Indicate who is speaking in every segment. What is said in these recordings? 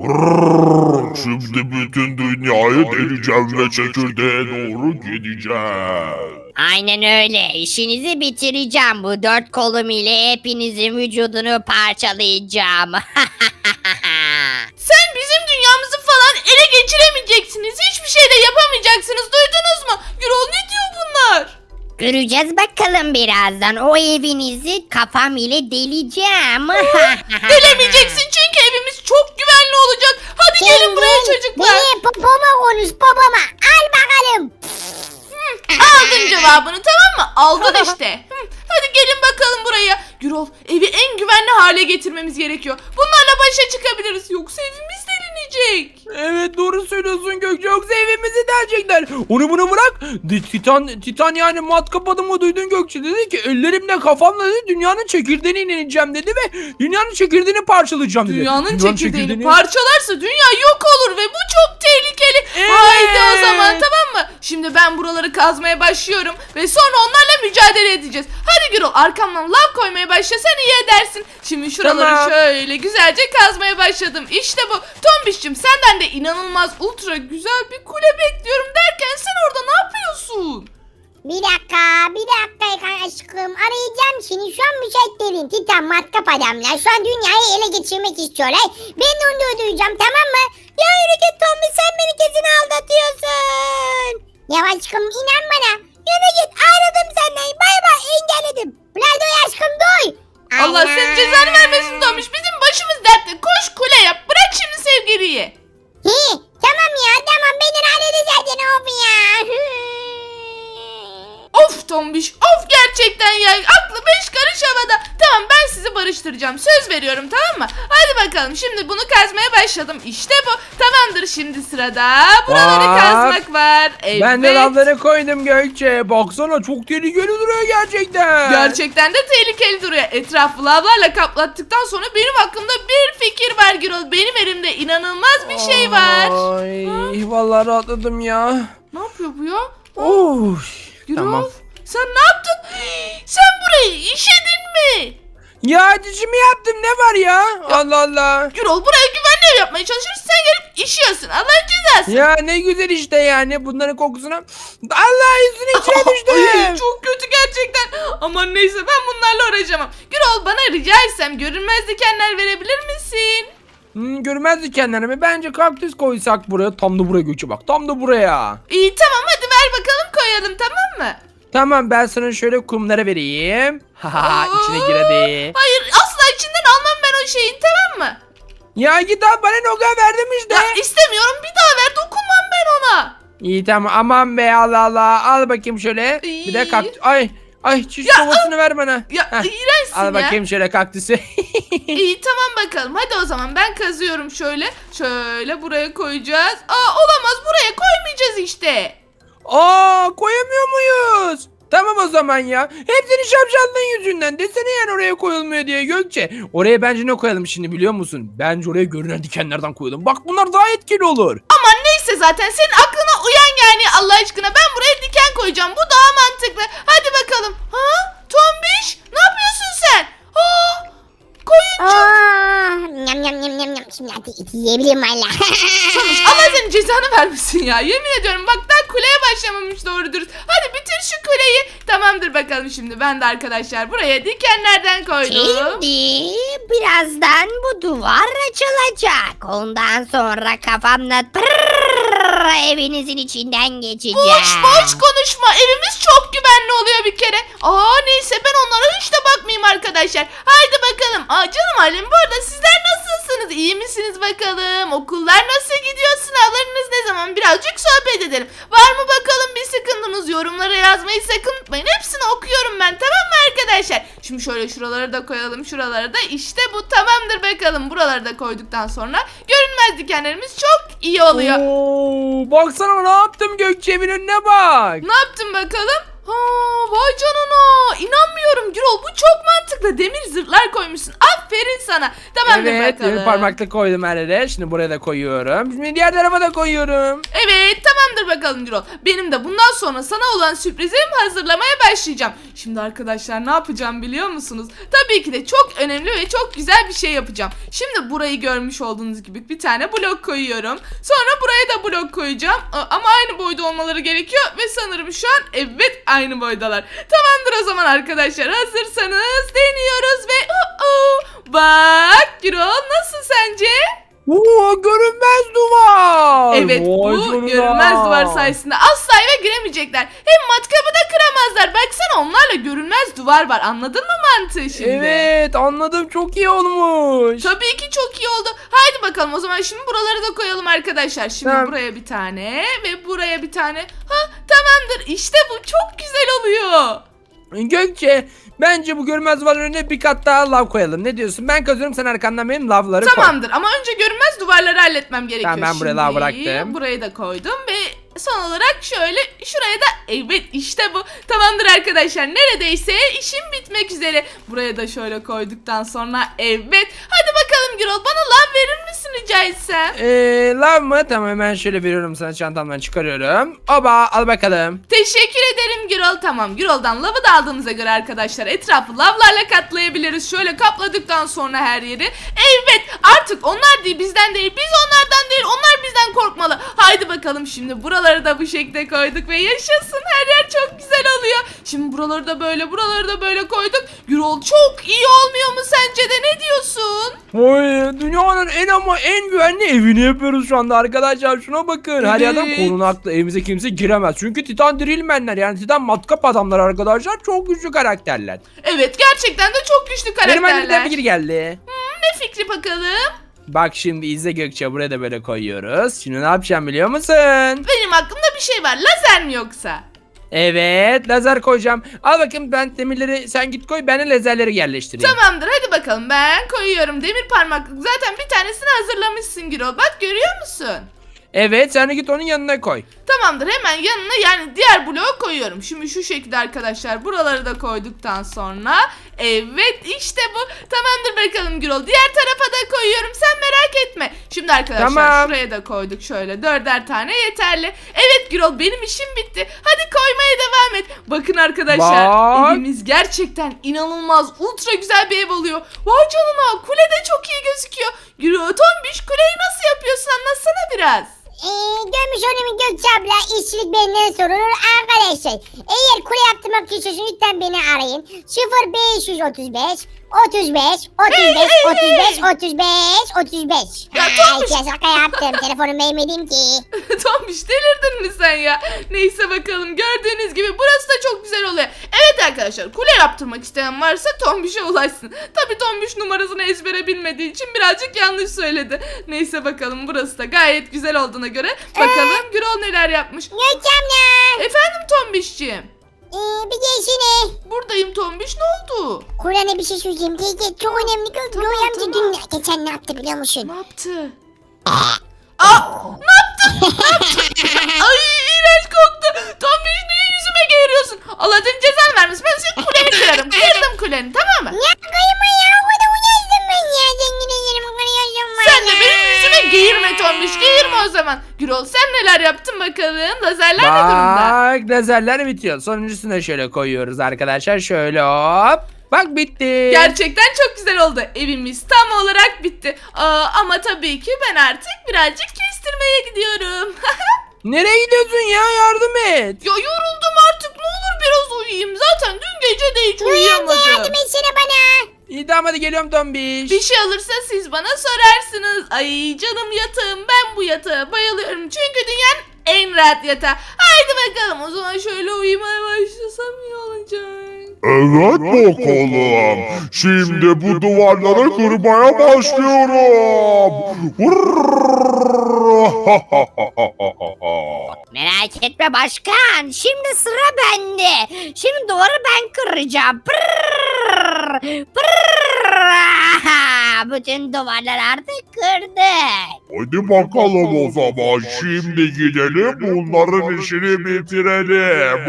Speaker 1: Şimdi bütün dünyayı deleceğim ve çekirdeğe doğru gideceğim.
Speaker 2: Aynen öyle. İşinizi bitireceğim. Bu 4 kolum ile hepinizin vücudunu parçalayacağım.
Speaker 3: Sen bizim dünyamızı falan ele geçiremeyeceksiniz. Hiçbir şey de yapamayacaksınız. Duydunuz mu? Gürol ne diyor bunlar?
Speaker 2: Göreceğiz bakalım birazdan. O evinizi kafam ile deleceğim.
Speaker 3: Delemeyeceksin çünkü evimiz çok güvenli olacak. Hadi gelin buraya çocuklar.
Speaker 2: Beni popoma konuş popoma. Al bakalım.
Speaker 3: Aldın cevabını, tamam mı? Aldın işte. Hadi gelin bakalım buraya. Gürol, evi en güvenli hale getirmemiz gerekiyor. Bunlarla başa çıkabiliriz. Yoksa evimiz delinecek.
Speaker 4: Evet, doğru söylüyorsun Gökçe, yoksa evimizi delecekler. Onu bunu bırak. Titan yani matkap adamı duydun Gökçe, dedi ki ellerimle kafamla dedi dünyanın çekirdeğine ineceğim dedi ve dünyanın çekirdeğini parçalayacağım dedi.
Speaker 3: Dünyanın çekirdeğini parçalarsa dünya yok olur ve bu çok tehlikeli. Haydi o zaman, tamam mı? Şimdi ben buraları kazmaya başlıyorum ve sonra onlarla mücadele edeceğiz. Hadi Gürol, arkamdan lav koymaya başla, sen iyi edersin. Şimdi şuraları
Speaker 4: Tamam.
Speaker 3: şöyle güzelce kazmaya başladım. İşte bu. Tombiş'cim, senden de inanılmaz ultra güzel bir kule bekliyorum derken sen orada ne yapıyorsun?
Speaker 5: Bir dakika aşkım. Arayacağım seni. Şu an müsait değilim. Titan matkap adamlar. Şu an dünyayı ele geçirmek istiyorlar. Ben de onu öldüreceğim, tamam mı? Ya yürü git Tommy, sen beni kesin aldatıyorsun. Ya aşkım inan bana. Yürü git, ayrıldım senden. Bay bay, engelledim. Nerede o aşkım, duy.
Speaker 3: Allah
Speaker 5: Ana.
Speaker 3: senin cezanı vermesin Tombiş. Bizim başımız dertte. Koş kule yap. Bırak şimdi sevgiliyi.
Speaker 5: Tamam ya, tamam, beni halledin zaten, of ya.
Speaker 3: Of Tombiş, of gerçekten ya. Aklı 5 karış havada. Tamam, ben sizi barıştıracağım. Söz veriyorum, tamam mı? Hadi bakalım, şimdi bunu kazmaya başladım. İşte bu. Tamamdır, şimdi sırada buraları
Speaker 4: Bak.
Speaker 3: kazmak var. Evet.
Speaker 4: Ben de lavları koydum Gökçe. Baksana, çok tehlikeli duruyor gerçekten.
Speaker 3: Gerçekten de tehlikeli duruyor. Etrafı lavlarla kaplattıktan sonra benim hakkımda bir fikir var Gürol. Benim elimde inanılmaz bir şey var.
Speaker 4: Ay, vallahi rahatladım ya.
Speaker 3: Ne yapıyor bu ya?
Speaker 4: Of.
Speaker 3: Gürol,
Speaker 4: Tamam.
Speaker 3: sen ne yaptın? Sen burayı işedin mi?
Speaker 4: Ya dişimi yaptım, ne var ya? Allah Allah.
Speaker 3: Gürol, buraya güvenli ev yapmaya çalışıyoruz. Sen gelip işiyorsun. Allah'ın cezası.
Speaker 4: Ya ne güzel işte yani, bunların kokusuna. Allah, yüzünün içine
Speaker 3: Ay,
Speaker 4: düştüm.
Speaker 3: çok kötü gerçekten. Aman neyse, ben bunlarla uğraşamam. Gürol, bana rica etsem görünmez dikenler verebilir misin?
Speaker 4: Görmez dikenlerimi bence kaktüs koysak buraya. Tam da buraya Gökçe, bak tam da buraya.
Speaker 3: İyi, tamam, hadi ver bakalım, koyalım, tamam mı?
Speaker 4: Tamam, ben sana şöyle kumları vereyim. Haha, içine gir hadi.
Speaker 3: Hayır, asla içinden almam ben o şeyin, tamam mı?
Speaker 4: Ya git al, bana ne o kadar verdim işte.
Speaker 3: Ya istemiyorum, bir daha ver, dokunmam ben ona.
Speaker 4: İyi tamam, aman be, Allah Allah. Al bakayım şöyle. Bir de kaktüs. Ay çiş kovasını ver bana.
Speaker 3: Ya
Speaker 4: Heh,
Speaker 3: iğrençsin
Speaker 4: al
Speaker 3: ya.
Speaker 4: bakayım şöyle kaktüsü.
Speaker 3: İyi, tamam bakalım. Hadi o zaman ben kazıyorum şöyle. Şöyle buraya koyacağız. Olamaz, buraya koymayacağız işte.
Speaker 4: Koyamıyor muyuz? Tamam o zaman ya. Hepsini şapşallığın yüzünden. Desene yani oraya koyulmuyor diye Gökçe. Oraya bence ne koyalım şimdi biliyor musun? Bence oraya görünen dikenlerden koyalım. Bak, bunlar daha etkili olur.
Speaker 3: Aman neyse, zaten senin aklına uyan yani, Allah aşkına. Ben buraya diken koyacağım. Bu daha mantıklı. Hadi bakalım. Ha? Tombiş, ne yapıyorsun sen? Koyuncu.
Speaker 5: Nyam nyam nyam nyam nyam. Şimdi hadi eti yiyebilirim valla.
Speaker 3: Tombiş, Allah senin cezanı vermesin ya. Yemin ediyorum, bak daha kuleye başlamamış doğru dürüst. Hadi bitir şu kuleyi. Tamamdır bakalım, şimdi ben de arkadaşlar buraya dikenlerden koydum.
Speaker 2: Şimdi birazdan bu duvar açılacak. Ondan sonra kafamla evinizin içinden geçeceğim.
Speaker 3: Boş konuşma. Evimiz çok güvenli oluyor bir kere. Neyse, ben onlara hiç de bakmayayım arkadaşlar. Haydi bakalım. Canım ailem, bu arada sizler nasılsınız? İyi misiniz bakalım? Okullar nasıl gidiyor? Sınavlarınız ne zaman? Birazcık sohbet edelim. Var mı bakalım bir sıkıntınız? Yorumlara yazmayı sakın unutmayın. Hepsini okuyorum ben, tamam mı arkadaşlar? Şimdi şöyle şuraları da koyalım. Şuraları da. İşte bu tamamdır bakalım. Buraları da koyduktan sonra görünmez dikenlerimiz çok iyi oluyor.
Speaker 4: Baksana ne yaptım Gökçe, evin önüne bak.
Speaker 3: Ne yaptın bakalım? Ha, vay canına. İnanmıyorum Gürol. Bu çok mantıklı. Demir zırhlar koymuşsun. Aferin sana. Tamamdır
Speaker 4: Evet,
Speaker 3: bakalım.
Speaker 4: demir parmaklık koydum her yere. Şimdi buraya da koyuyorum. Şimdi diğer tarafa da koyuyorum.
Speaker 3: Evet, tamamdır bakalım Gürol. Benim de bundan sonra sana olan sürprizimi hazırlamaya başlayacağım. Şimdi arkadaşlar ne yapacağım biliyor musunuz? Tabii ki de çok önemli ve çok güzel bir şey yapacağım. Şimdi burayı görmüş olduğunuz gibi bir tane blok koyuyorum. Sonra buraya da blok koyacağım. Ama aynı boyda olmaları gerekiyor ve sanırım şu an evet aynı boydalar. Tamamdır o zaman arkadaşlar. Hazırsanız deniyoruz ve bak Gürol, nasıl sence?
Speaker 4: Oo, görünmez duvar.
Speaker 3: Evet,
Speaker 4: Vay
Speaker 3: bu
Speaker 4: canına.
Speaker 3: görünmez duvar sayesinde asla eve giremeyecekler. Hem matkabı da kıramazlar. Baksana, onlarla görünmez duvar var. Anladın mı mantığı şimdi?
Speaker 4: Evet, anladım, çok iyi olmuş.
Speaker 3: Tabii ki çok iyi oldu. Haydi bakalım o zaman şimdi buraları da koyalım arkadaşlar. Şimdi
Speaker 4: Tamam.
Speaker 3: buraya bir tane ve buraya bir tane. Tamamdır. İşte bu çok güzel oluyor.
Speaker 4: Gökçe, bence bu görünmez duvarın önüne bir kat daha lav koyalım. Ne diyorsun? Ben kazıyorum, sen arkandan benim lavları koy.
Speaker 3: Tamamdır ama önce görünmez duvarları halletmem gerekiyor.
Speaker 4: Tamam, ben buraya lav bıraktım.
Speaker 3: Burayı da koydum ve son olarak şöyle şuraya da evet işte bu. Tamamdır arkadaşlar, neredeyse işim bitmek üzere. Buraya da şöyle koyduktan sonra evet. Hadi bakalım Gürol, bana lav verir misin rica etsem?
Speaker 4: Lav mı? Tamam, hemen şöyle veriyorum sana, çantamdan çıkarıyorum. Oba, al bakalım.
Speaker 3: Teşekkür ederim Gürol. Tamam, Gürol'dan lavı da aldığımıza göre arkadaşlar etrafı lavlarla kaplayabiliriz. Şöyle kapladıktan sonra her yeri. Evet, artık onlar değil bizden değil, biz onlardan değil, onlar bizden korkmalı. Haydi bakalım, şimdi buraları da bu şekilde koyduk ve yaşasın, her yer çok güzel oluyor. Şimdi buraları da böyle, buraları da böyle koyduk. Gürol, çok iyi olmuyor mu sence de, ne diyorsun?
Speaker 4: Oy, dünyanın en güvenli evini yapıyoruz şu anda arkadaşlar. Şuna bakın. Her
Speaker 3: Evet.
Speaker 4: yerden korunaklı. Evimize kimse giremez. Çünkü Titan Drillmenler, yani Titan matkap adamlar arkadaşlar, çok güçlü karakterler.
Speaker 3: Evet, gerçekten de çok güçlü
Speaker 4: Benim elimden
Speaker 3: karakterler.
Speaker 4: bir fikir geldi.
Speaker 3: Ne fikri bakalım?
Speaker 4: Bak şimdi izle Gökçe, buraya da böyle koyuyoruz. Şimdi ne yapacağım biliyor musun?
Speaker 3: Benim aklımda bir şey var. Lazer mi yoksa?
Speaker 4: Evet, lazer koyacağım. Al bakayım, ben demirleri sen git koy, ben de lazerleri yerleştireyim.
Speaker 3: Tamamdır, hadi bakalım, ben koyuyorum. Demir parmaklık zaten bir tanesini hazırlamışsın Gürol. Bak, görüyor musun?
Speaker 4: Evet, sen de git onun yanına koy.
Speaker 3: Tamamdır, hemen yanına yani diğer bloğu koyuyorum. Şimdi şu şekilde arkadaşlar, buraları da koyduktan sonra evet işte bu. Tamamdır bakalım Gürol, diğer tarafa da koyuyorum, sen merak etme. Şimdi arkadaşlar
Speaker 4: Tamam.
Speaker 3: şuraya da koyduk, şöyle 4'er tane yeterli. Evet Gürol, benim işim bitti. Hadi koymaya devam et. Bakın arkadaşlar,
Speaker 4: Bak.
Speaker 3: evimiz gerçekten inanılmaz ultra güzel bir ev oluyor. Vay canına, kule de çok iyi gözüküyor. Gürol, Tombiş, kuleyi nasıl yapıyorsun, anlatsana biraz.
Speaker 5: Görmüş olduğum Gökçe abla, işçilik benden sorulur arkadaşlar. Eğer kule yaptırmak istiyorsanız lütfen beni arayın. 0535 35 35 35 35 35.
Speaker 3: Ya Tombiş.
Speaker 5: Şaka yaptım. Telefonu vermedim ki.
Speaker 3: Tombiş, delirdin mi sen ya? Neyse bakalım, gördüğünüz gibi burası da çok güzel oluyor. Evet arkadaşlar, kule yaptırmak isteyen varsa Tombiş'e ulaşsın. Tabii Tombiş numarasını ezbere bilmediği için birazcık yanlış söyledi. Neyse bakalım, burası da gayet güzel olduğuna göre bakalım Gürol neler yapmış.
Speaker 5: Gökçe abla.
Speaker 3: Efendim Tombiş'ciğim.
Speaker 5: Bir geçsene.
Speaker 3: Buradayım Tombiş, ne oldu?
Speaker 5: Kur'an'a bir şey söyleyeyim. Gel çok önemli. Gökçe amca dün geçen ne yaptı biliyor musun?
Speaker 3: Ne yaptı? Ne yaptın? Ay, iğrenç koktu. Tombiş, niye yüzüme geğiriyorsun? Allah'ın cezanı vermesin. Ben senin kuleni kırarım. Kırdım kuleni, tamam mı?
Speaker 5: Ya kayma ya. O da uyazdım ben ya. Zengin ederim. Kırıyorsun bana.
Speaker 3: Sen de benim yüzüme geğirme Tombiş. Geğirme o zaman. Gürol, sen neler yaptın bakalım? Lazerler ne durumda?
Speaker 4: Bak, lazerler bitiyor. Sonuncusunu şöyle koyuyoruz arkadaşlar. Şöyle hop. Bak, bitti.
Speaker 3: Gerçekten çok güzel oldu. Evimiz tam olarak bitti. Ama tabii ki ben artık birazcık kestirmeye gidiyorum.
Speaker 4: Nereye gidiyorsun ya? Yardım et.
Speaker 3: Ya yoruldum artık. Ne olur biraz uyuyayım. Zaten dün gece de hiç
Speaker 5: Gökçe yardım
Speaker 3: uyuyamadım.
Speaker 5: etsene bana.
Speaker 4: İyi, tamam, hadi geliyorum Tombiş.
Speaker 3: Bir şey alırsa siz bana sorarsınız. Ay canım yatağım, ben bu yatağa bayılıyorum. Çünkü dünyanın en rahat yatağı. Haydi bakalım, o zaman şöyle uyumaya başlasam iyi olacak.
Speaker 1: Evet bakalım. Şimdi bu duvarları kırmaya başlıyorum.
Speaker 2: Merak etme başkan. Şimdi sıra bende. Şimdi duvarı ben kıracağım. Pırrrr, pırrrr. Bütün duvarlar artık kırdık.
Speaker 1: Hadi bakalım o zaman şimdi gidelim bunların işini bitirelim.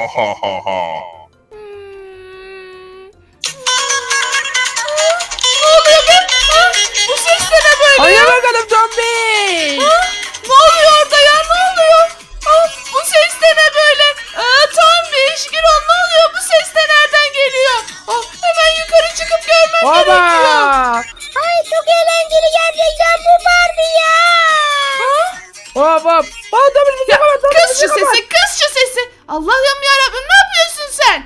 Speaker 3: Ne oluyor be? Bu ses de ne böyle?
Speaker 4: Hadi bakalım Tombiş.
Speaker 3: Ne oluyor orada ya? Ne oluyor? Bu ses de ne böyle? Tombiş, Gürol ne oluyor? Bu ses de nereden geliyor? Hemen yukarı çıkıp görmem gerekiyor.
Speaker 4: Baba.
Speaker 5: Ay çok eğlenceli gerçekten bu Barbie ya.
Speaker 4: Hop hop. Aa, Tombiş bizi kapat.
Speaker 3: Kız şu sesi, kız şu sesi. Allah'ım yarabbim ne yapıyorsun sen?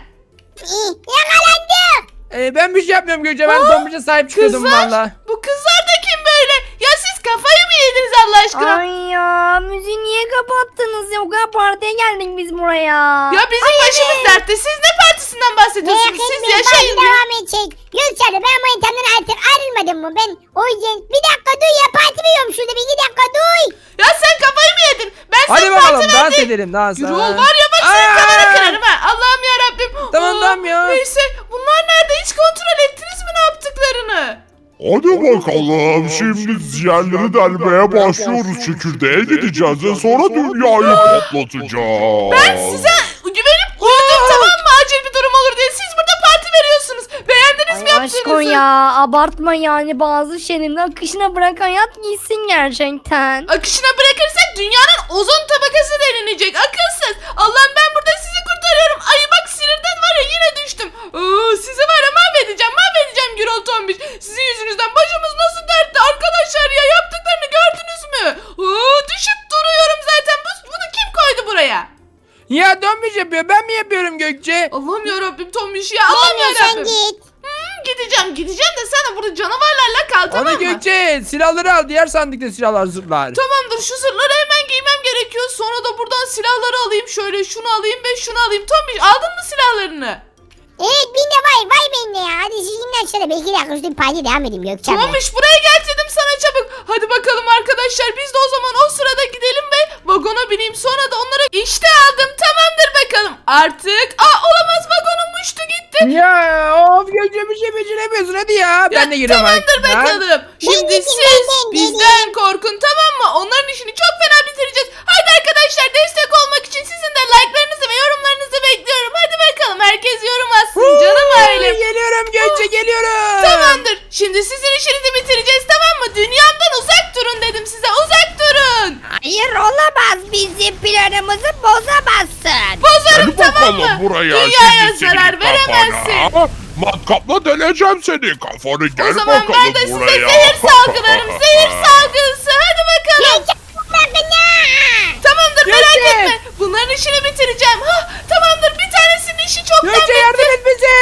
Speaker 5: Yakalandım.
Speaker 4: Ben bir şey yapmıyorum Gökçe. Ben Tombiş'e sahip çıkıyordum
Speaker 3: Kızlar,
Speaker 4: valla.
Speaker 3: bu kızlar da kim böyle? Ya siz kafayı mı yediniz Allah aşkına?
Speaker 2: Ay ya müziği niye kapattınız ya? O kadar partiye geldik biz buraya.
Speaker 3: Ya bizim başımız dertte. Siz ne partisinden bahsediyorsunuz?
Speaker 5: Merak
Speaker 3: Siz
Speaker 5: etmeyin
Speaker 3: yaşayın
Speaker 5: parti
Speaker 3: ya.
Speaker 5: devam edecek. Gökçen'e ben manitamdan artık ayrılmadım mı ben? O yüzden bir dakika duy ya parti veriyorum şurada bir 2 dakika duy.
Speaker 3: Ya sen kafayı mı yedin? Ben
Speaker 4: Hadi
Speaker 3: senin
Speaker 4: bakalım
Speaker 3: partiden
Speaker 4: dans
Speaker 3: değil.
Speaker 4: edelim dans.
Speaker 3: Gürol var ya bak senin
Speaker 4: Aa!
Speaker 3: kafanı kırarım ha. Allah'ım yarabbim.
Speaker 4: Tamam ya.
Speaker 3: Neyse bunlar nerede? Hiç kontrol ettiniz mi ne yaptıklarını?
Speaker 1: Hadi bakalım şimdi yerleri delmeye başlıyoruz, çekirdeğe gideceğiz ve sonra dünyayı patlatacağız.
Speaker 3: Ben size güvenip uyudum tamam mı? Acil bir durum olur diye. Siz burada parti veriyorsunuz. Beğendiniz mi
Speaker 2: Ay aşkım
Speaker 3: yaptığınızı?
Speaker 2: ya abartma yani bazı şeylerin akışına bırak hayat gitsin gerçekten.
Speaker 3: Akışına bırakırsak dünyanın ozon tabakası delinecek. Akılsız. Allah'ım ben burada sizi kurtarıyorum. Ay bak sinirden var ya yine düştüm. Sizi var ya mahvedeceğim. Mahvedeceğim Gürol Tombiş. Sizin yüzünüzden başımız nasıl dertte arkadaşlar ya. Yaptıklarını gördünüz mü? Düşüp duruyorum zaten. Bunu kim koydu buraya?
Speaker 4: Ya Tombiş yapıyor. Ben mi yapıyorum Gökçe?
Speaker 3: Allah'ım yarabbim Tombiş ya. Allah'ım
Speaker 5: Gelmiyor sen
Speaker 3: yarabbim.
Speaker 5: git.
Speaker 3: Gideceğim de sen de burada canavarlarla kal tamam
Speaker 4: Onu
Speaker 3: mı?
Speaker 4: Gökçe silahları al. Diğer sandıkta silahlar zırhlar.
Speaker 3: Tamamdır şu zırhları hemen giymem gerekiyor. Sonra da buradan silahları alayım. Şöyle şunu alayım ve şunu alayım. Tombiş aldın mı silahlarını?
Speaker 5: Evet binde vay bende ya. Hadi sizinle aşağıda bir 2 dakika üstüne parti devam edeyim Gökçen'le.
Speaker 3: Tombiş buraya gel dedim sana çabuk. Hadi bakalım arkadaşlar biz de o zaman o sırada gidelim ve vagona bineyim. Sonra da onları işte aldım. Tamamdır bakalım. Artık olamaz vagonum uçtu gitti.
Speaker 4: Ya of Gökçe bir şey beceremiyorsun hadi ya. Ben de giriyorum
Speaker 3: Tamamdır
Speaker 4: artık.
Speaker 3: bakalım. Şimdi
Speaker 5: gideyim,
Speaker 3: siz
Speaker 5: ben
Speaker 3: bizden korkun tamam mı? Onların işini çok fena bitireceğiz. Hadi arkadaşlar destek olmak için sizin de like'larınızı ve yorumlarınızı bekliyorum. Hadi bakalım herkes yorum atsın canım ailem.
Speaker 4: Geliyorum Gökçe geliyorum.
Speaker 3: Tamamdır. Şimdi sizin işinizi bitireceğiz tamam mı? Dünyamdan uzak durun dedim size. Uzak durun.
Speaker 2: Hayır olamaz bizim planımızı bozamazsın.
Speaker 3: Bozarım
Speaker 1: Hadi
Speaker 3: tamam mı?
Speaker 1: bakalım buraya,
Speaker 3: Dünyaya
Speaker 1: şimdi senin
Speaker 3: zarar veremezsin.
Speaker 1: kafana. Matkapla deleceğim seni kafanı, gel
Speaker 3: O zaman
Speaker 1: bakalım
Speaker 3: ben de size
Speaker 1: buraya.
Speaker 3: zehir salgılarım. Zehir salgısı. Hadi bakalım.
Speaker 5: Bırakın ya.
Speaker 3: Tamamdır merak
Speaker 4: Gökçe.
Speaker 3: etme. Bunların işini bitireceğim. Tamamdır bir tanesinin işi çoktan
Speaker 4: Gökçe yardım et bize.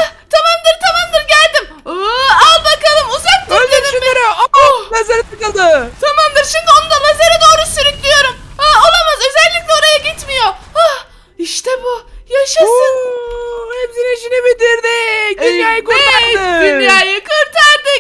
Speaker 3: Tamamdır geldim. Al bakalım uzak dur
Speaker 4: Öldür
Speaker 3: dedim.
Speaker 4: şunları. Lazeri tıkıldı.
Speaker 3: Tamamdır şimdi onu da lazere doğru sürüklüyorum. Olamaz özellikle oraya gitmiyor. İşte bu. Yaşasın.
Speaker 4: Hepsinin işini bitirdik. Dünyayı
Speaker 3: Evet,
Speaker 4: kurtardık.
Speaker 3: Dünyayı kurtardık.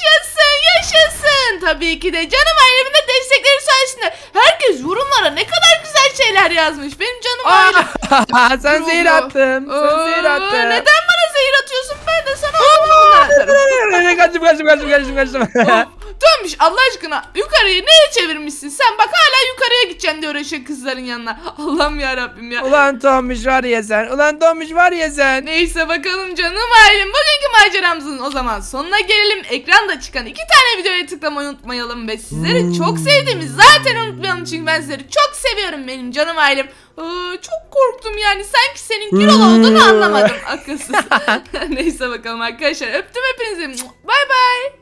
Speaker 3: Yaşasın. Tabii ki de canım ailemin de destekleri sayesinde. Herkes yorumlara ne kadar güzel şeyler yazmış. Benim canım ailem.
Speaker 4: Sen zehir attın. Sen zehir attın.
Speaker 3: Neden bana zehir atıyorsun? Ben de sana olumlu atarım.
Speaker 4: Kaçtım.
Speaker 3: Dönmüş Allah aşkına yukarıyı neye çevirmişsin sen bak hala yukarıya gideceksin diye uğraşıyor kızların yanına. Allah'ım yarabbim ya.
Speaker 4: Ulan Tomiş var ya sen. Ulan Tomiş var ya sen.
Speaker 3: Neyse bakalım canım ailem bugünkü maceramızın o zaman sonuna gelelim. Ekranda çıkan 2 tane videoya tıklamayı unutmayalım ve sizleri çok sevdiğimi zaten unutmayalım çünkü ben sizleri çok seviyorum benim canım ailem. Çok korktum yani sanki senin Gürol olduğunu anlamadım akılsız. Neyse bakalım arkadaşlar öptüm hepinizi. Bay bay.